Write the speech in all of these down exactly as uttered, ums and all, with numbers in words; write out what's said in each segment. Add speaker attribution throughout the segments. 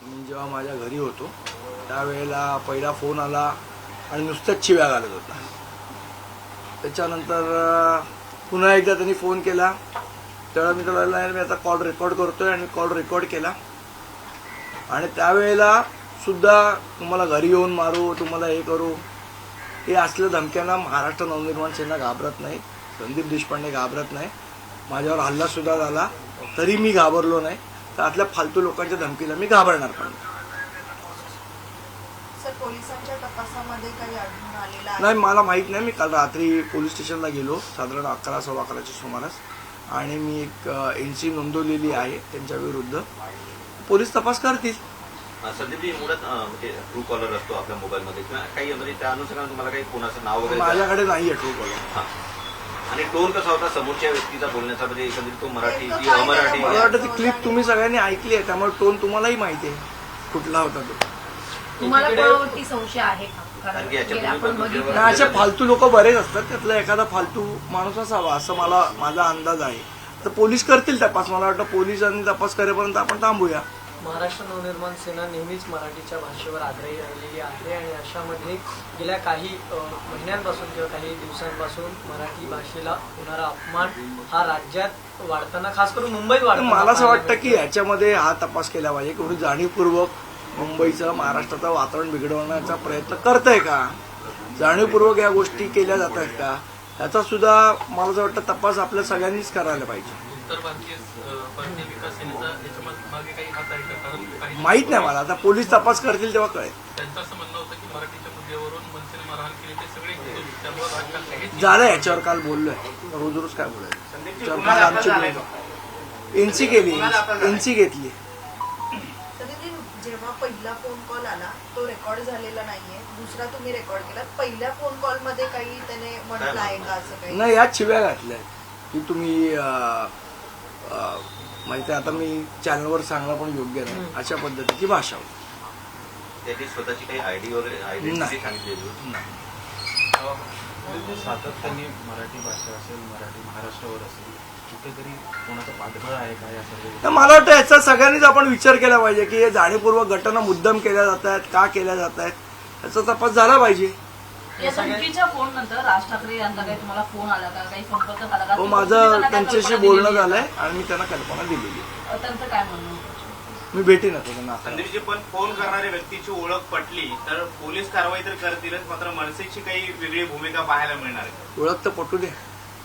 Speaker 1: मी जेव्हा माझ्या घरी होतो त्यावेळेला पहिला फोन आला आणि नुसत्याच शिव्या घालत होता. त्याच्यानंतर पुन्हा एकदा त्यांनी फोन केला तेव्हा मी त्याला मी आता कॉल रेकॉर्ड करतोय आणि कॉल रेकॉर्ड केला आणि त्यावेळेला सुद्धा तुम्हाला घरी येऊन मारू, तुम्हाला हे करू, हे असल्या धमक्यांना महाराष्ट्र नवनिर्माण सेना घाबरत नाही, संदीप देशपांडे घाबरत नाही. माझ्यावर हल्ला सुद्धा झाला तरी मी घाबरलो नाही. तर आतल्या फालतू लोकांच्या धमकीला मी घाबरणार पण
Speaker 2: पोलिसांच्या तपासामध्ये काही आढळून आलेलं आहे?
Speaker 1: नाही, मला माहित नाही. मी काल रात्री पोलीस स्टेशनला गेलो साधारण अकरा सव्वा अकराच्या सुमारास आणि मी एक एनसी नोंदवलेली आहे त्यांच्या विरुद्ध. पोलीस तपास करतील.
Speaker 3: संदीपजी मुळात म्हणजे ट्रू कॉलर असतो आपल्या मोबाईलमध्ये किंवा काही म्हणजे त्या अनुषंगाने तुम्हाला काही कोणाचं नाव वगैरे?
Speaker 1: माझ्याकडे नाही आहे ट्रू कॉलर.
Speaker 3: आणि टोन कसा होता समोरच्या व्यक्तीचा बोलण्याचा, म्हणजे एकंदरीत तो मराठी की अमराठी?
Speaker 1: मला वाटतं ती क्लिप तुम्ही सगळ्यांनी ऐकली आहे त्यामुळे टोन तुम्हालाही माहिती आहे कुठला होता तो.
Speaker 2: तुम्हाला कोणावरती संशय आहे का?
Speaker 1: नाही, असे फालतू लोक बरेच असतात, त्यातला एखादा फालतू माणूस असावा असं मला माझा अंदाज आहे. तर पोलीस करतील तपास. मला वाटतं पोलिसांनी तपास करेपर्यंत आपण थांबूया.
Speaker 4: महाराष्ट्र नवनिर्माण सेना नेहमीच मराठीच्या भाषेवर आग्रही राहिलेली आहे आणि अशामध्ये गेल्या काही महिन्यांपासून किंवा काही दिवसांपासून मराठी भाषेला होणारा अपमान हा राज्यात वाढताना, खास करून मुंबईत वाढताना
Speaker 1: मला असं वाटतं की याच्यामध्ये हा तपास केला पाहिजे. कोणी जाणीवपूर्वक मुंबईचं महाराष्ट्राचं वातावरण बिघडवण्याचा प्रयत्न करतंय का, जाणीवपूर्वक या गोष्टी केल्या जात आहेत का, याचा सुद्धा मला असं वाटतं तपास आपल्या सगळ्यांनीच करायला पाहिजे. माहित नाही मला, आता पोलीस तपास करतील तेव्हा कळेल. झालं, याच्यावर काल बोललोय, रोज रोज काय बोलायचं. आमची एनसी केली, एनसी घेतली.
Speaker 2: जेव्हा पहिला फोन कॉल आला तो रेकॉर्ड झालेला नाहीये, दुसरा तुम्ही रेकॉर्ड केला, पहिल्या फोन कॉल मध्ये काही त्याने म्हटलं आहे का असं काही?
Speaker 1: नाही, याच शिव्या घातल्या की तुम्ही माहिती. आता मी चॅनलवर सांगणं पण योग्य नाही. अशा पद्धतीची भाषा होती.
Speaker 3: त्याची स्वतःची काही आयडी वगैरे आयडेंटिटी सांगितलेली
Speaker 5: नाही. सातत्याने मराठी भाषा असेल, मराठी महाराष्ट्रावर असेल, कुठेतरी कोणाचा पाठबळ आहे काय असं?
Speaker 1: मला वाटतं याचा सगळ्यांनीच आपण विचार केला पाहिजे की हे जाणीवपूर्वक घटना मुद्दाम केल्या जात आहेत, का केल्या जात आहेत, याचा तपास झाला पाहिजे.
Speaker 6: या धमकीच्या फोन नंतर राज ठाकरे यांचा काही तुम्हाला फोन आला का, काही संपर्क झाला का?
Speaker 1: हो, माझं त्यांच्याशी बोलणं झालंय आणि मी त्यांना कल्पना दिलेली.
Speaker 6: त्यांचं काय म्हणणं?
Speaker 1: मी भेटीन त्यांना.
Speaker 7: संदीपजी, पण फोन करणाऱ्या व्यक्तीची ओळख पटली तर पोलीस कारवाई तर करतीलच, मात्र मनसेची काही वेगळी भूमिका पाहायला मिळणार आहे?
Speaker 1: ओळख तर पटू दे.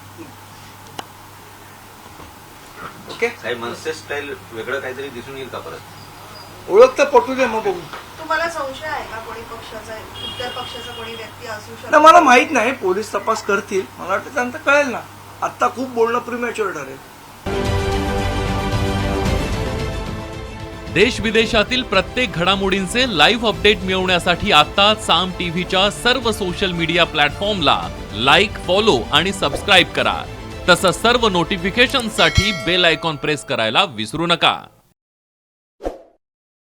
Speaker 1: ओके,
Speaker 3: काही मनसे स्टाईल वेगळं काहीतरी दिसून येईल का परत?
Speaker 1: ओळख तर पटू दे, मग बघू.
Speaker 2: तुम्हाला संशय आहे का कोणी पक्षाचा, इतर पक्षाचा कोणी व्यक्ती असू शकतो?
Speaker 1: नाही, मला माहित नाही. पोलीस तपास करतील, मला वाटतं त्यांना कळेल ना. आता खूप बोलणं प्रीमॅच्युअर ठरेल.
Speaker 8: देश विदेशातील प्रत्येक घडामोडींचे लाईव्ह अपडेट मिळवण्यासाठी आता साम टीव्हीच्या सर्व सोशल मीडिया प्लॅटफॉर्मला लाईक, फॉलो आणि सबस्क्राईब करा. तसंच सर्व नोटिफिकेशनसाठी बेल आयकॉन प्रेस करायला विसरू नका.